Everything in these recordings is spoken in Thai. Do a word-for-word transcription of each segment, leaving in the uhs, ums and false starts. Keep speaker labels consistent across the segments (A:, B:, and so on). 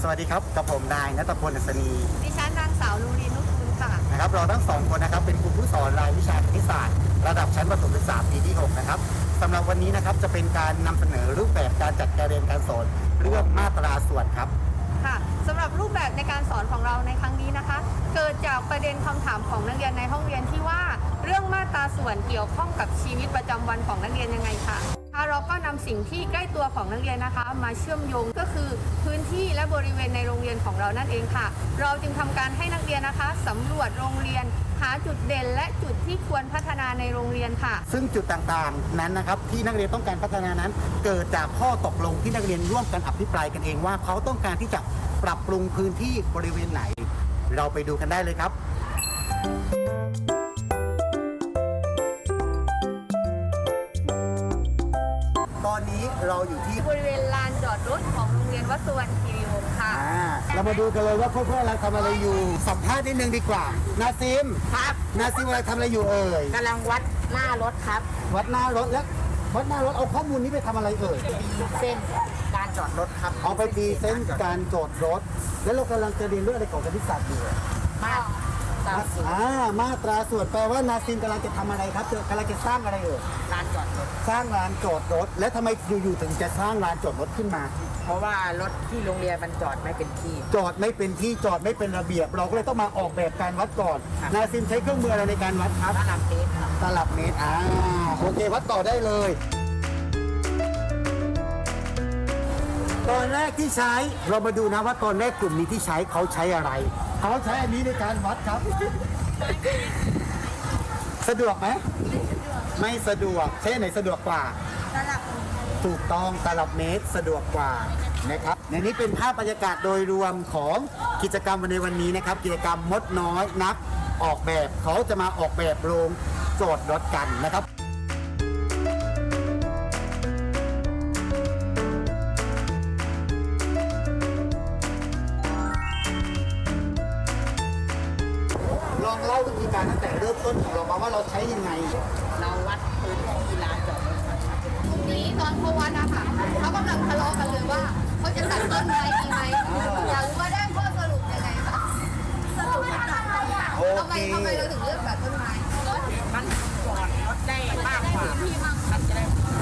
A: วัสดีครับกับผมนายณัฐพล อัศนี
B: ดิฉันนางสาวลูรีนุชคุณค่ะ
A: นะครับเราทั้งสองคนนะครับเป็นครูผู้สอนรายวิชาคณิตศาสตร์ระดับชั้นประถมศึกษาปีที่หกนะครับสำหรับวันนี้นะครับจะเป็นการนำเสนอรูปแบบการจัดการเรียนการสอนเรื่องมาตราส่วนครับ
B: ค่ะสำหรับรูปแบบในการสอนของเราในครั้งนี้นะคะ เกิดจากประเด็นคำถามของนักเรียนในห้องเรียนที่ว่าเรื่องมาตราส่วนเกี่ยวข้องกับชีวิตประจำวันของนักเรียนยังไงค่ะเราก็นำสิ่งที่ใกล้ตัวของนักเรียนนะคะมาเชื่อมโยงก็คือพื้นที่และบริเวณในโรงเรียนของเรานั่นเองค่ะเราจึงทำการให้นักเรียนนะคะสำรวจโรงเรียนหาจุดเด่นและจุดที่ควรพัฒนาในโรงเรียนค่ะ
A: ซึ่งจุดต่างๆนั้นนะครับที่นักเรียนต้องการพัฒนานั้นเกิดจากข้อตกลงที่นักเรียนร่วมกันอภิปรายกันเองว่าเขาต้องการที่จะปรับปรุงพื้นที่บริเวณไหนเราไปดูกันได้เลยครับตอนนี้เราอยู่ที่
B: บริเวณลานจอดรถของโรงเรียนวัดสุวรรณคีรีวงศ์ค่ะ
A: เรามาดูกันเลยว่าเพื่อนๆเราทำอะไรอยู่สัมภาษณ์นิดนึงดีกว่านาซิม
C: ครับ
A: นาซิมอะไรทำอะไรอยู่เอ่ย
C: กำลังวัดหน้ารถครับ
A: วัดหน้ารถแล้ววัดหน้ารถเอาข้อมูลนี้ไปทำอะไรเอ่ย
C: เส้นการจอดรถครับ
A: เอาไปตีเส้นการจอดรถแล้วเรากำลังจะเรียนเรื่องอะไรของคณิตศาสตร์อยู่
C: มาตราส่วน
A: อ่ามาตราส่วนแปลว่านาซิมกำลังจะทำอะไรครับกำลังจะสร้างอะไรเอ่ย
C: ลานจอดรถ
A: สร้างลานจอดรถแล้วทำไมอยู่ๆถึงจะสร้างลานจอดรถขึ้นมา
C: เพราะว่ารถที่โรงเรียนมันจอดไม่เป็นที่
A: จอดไม่เป็นที่จอดไม่เป็นระเบียบเราก็เลยต้องมาออกแบบการวัดก่อนนาซิมใช้เครื่องมืออะไรในการวัดครับ
C: ตลับเมตรครับ
A: ตลับเมตรอ่าโอเควัดต่อได้เลยตอนแรกที่ใช้เรามาดูนะว่าตอนแรกกลุ่มนี้ที่ใช้เขาใช้อะไรเขาใช้อันนี้ในการวัดครับสะดวกไหมไม่สะดวกใช้ไหนสะดวกกว่า
B: ตลับ
A: ถูกต้องตลับเมตรสะดวกกว่านะครับในนี้เป็นภาพบรรยากาศโดยรวมของกิจกรรมในวันนี้นะครับกิจกรรมมดน้อยนักออกแบบเขาจะมาออกแบบโรงจอดรถกันนะครับลองเล่าวิธีการตั้งแต่เริ่มต้นของเรามาว่าเราใช้ยังไง
C: เราวัดพื้นที่ลานจอดรถ
B: ตรงนี้ตอนเขาวัดนะคะเขากำลังทะเลาะกันเลยว่าเขาจะตัดต้นไม้ดีไหมอยากรู้ว่าได้ข้อสรุปยังไงคะสรุปว่าตัดต้นไม้ทำไมทำไมเราถึงเลือกตัดต้นไม้
C: มันจอดรถได้มากกว่ามันจะได้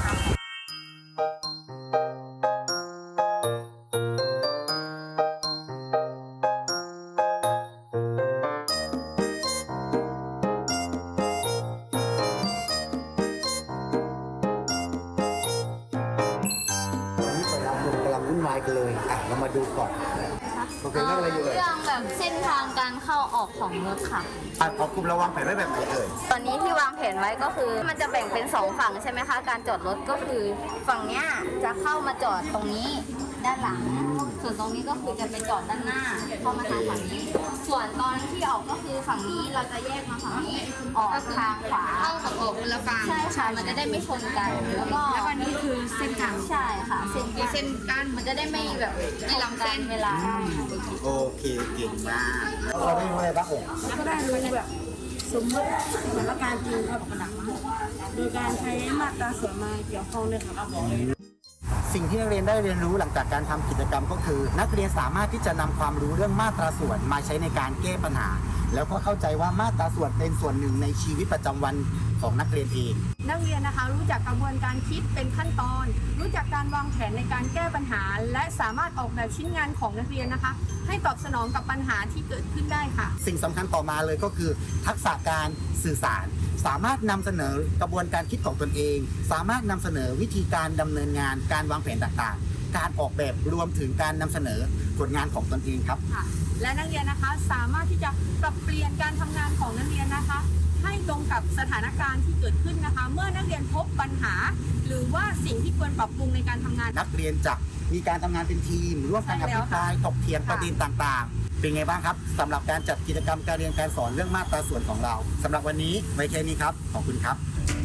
A: วุ่นวายกันเลยอ่ะเรามาดูก่อนโอเคเรื่องอะไรอยู่เอ่ย
D: เรื่องแบบเส้นทางการเข้าออกของรถค่ะ
A: อ่ะขอกลุ่มระวังแผนไว้แบบไหนเอ่ย
D: ตอนนี้ที่วางแผนไว้ก็คือมันจะแบ่งเป็นสองฝั่งใช่ไหมคะการจอดรถก็คือฝั่งเนี้ยจะเข้ามาจอดตรงนี้ด้านหลังส่วนตรงนี้ก็คือจะไปจอดด้านหน้าเข้ามาทางฝั่งนี้ส่วนตอนที่ออกก็คือฝั่งนี้เราจะแยกมาฝั่งนี้ออกทางขวา
B: เข้ากับออกคนละฝั่ง
D: ใช่ค่ะมันจะได้ไม่ชนกันแล้วก็
B: แล้ววันนี้คือเส้นกลาง
D: ใช่ค่ะเส้น
B: เส้นกั้น
D: มันจะได้ไม่แบบ
B: ไม่ล้ำเส้น
D: เวลา
A: โอเคเก่งมากเราได้รู้อะไรบ้างอง
E: ก็ได้รู้แบบสมมติสถานการณ์จริงครับโดยการใช้มาตราส่วนมาเกี่ยวข้องด้วยครับ
A: สิ่งที่นักเรียนได้เรียนรู้หลังจากการทำกิจกรรมก็คือนักเรียนสามารถที่จะนำความรู้เรื่องมาตราส่วนมาใช้ในการแก้ปัญหาแล้วก็เข้าใจว่ามาตราส่วนเป็นส่วนหนึ่งในชีวิตประจำวันของนักเรียนเอง
B: นักเรียนนะคะรู้จักกระบวนการคิดเป็นขั้นตอนรู้จักการวางแผนในการแก้ปัญหาและสามารถออกแบบชิ้นงานของนักเรียนนะคะให้ตอบสนองกับปัญหาที่เกิดขึ้นได้ค่ะ
A: สิ่งสำคัญต่อมาเลยก็คือทักษะการสื่อสารสามารถนำเสนอกระบวนการคิดของตนเองสามารถนำเสนอวิธีการดำเนินงานการวางแผนต่างๆการออกแบบรวมถึงการนำเสนอผลงานของตนเองครับ
B: และนักเรียนนะคะสามารถที่จะปรับเปลี่ยนการทำงานของนักเรียนนะคะให้ตรงกับสถานการณ์ที่เกิดขึ้นนะคะเมื่อนักเรียนพบปัญหาหรือว่าสิ่งที่ควรปรับปรุงในการทำงาน
A: นักเรียนจะมีการทำงานเป็นทีมร่วมกันอภิปรายถกเถียงประเด็นต่างๆเป็นไงบ้างครับสำหรับการจัดกิจกรรมการเรียนการสอนเรื่องมาตราส่วนของเราสำหรับวันนี้ไว้แค่นี้ครับขอบคุณครับ